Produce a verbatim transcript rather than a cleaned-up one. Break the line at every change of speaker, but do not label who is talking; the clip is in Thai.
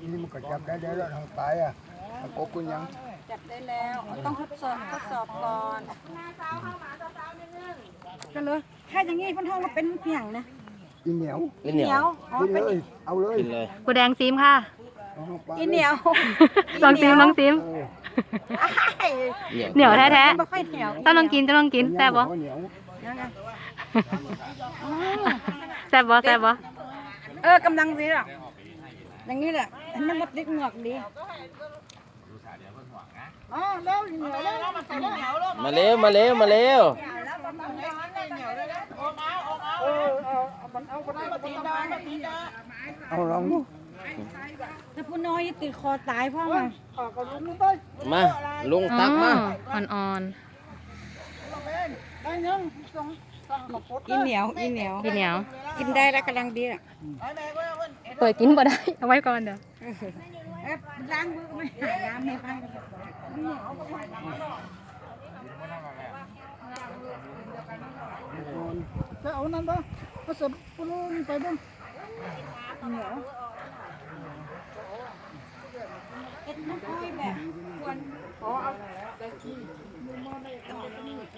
นี่มันก็จับได้แล้วทางตายอ่ะกบคุณยัง
จับได้แล้วต้องทดสอบทดสอบก่อนกันเลยแค่อย่างงี้พันทองมาเป็นเพียงนะ
อีเหนียว
อีเหนียว
กินเลยเอาเลย
กินเลย
กูแดงซิมค่ะ
อีเหนียว
ลองซิมลองซิมเหนียวแท้แท้ต้องลองกินต้องลองกินแซ่บบ่แซ่บบ่แซ่บบ่
เออกำลังดีอ่ะอย่างนี้แหละอันนี้มดดิกเหงือกดีอ๋อเร็วเหนียวเร็ว
มาเร็วมาเร็วมาเร็ว
เอาลองดู
ถ้าผู้น้อยติดคอตายพ่อมา
มาลุงตักมา
อ่อน
ๆอีเหนียวอีเหนียว
อีเหนียว
กินได้แล้วกำลังดีอ่ะ
เปิดกินบ่ได้เอาไว้ก่อนเดี๋ยว
ล้างมือไม่หาน้ำไม่ไปจะเอานั่นปะก็สับปุ้งไปบ้างเหนียวเอ็ดน้ำอ้อยแบบควร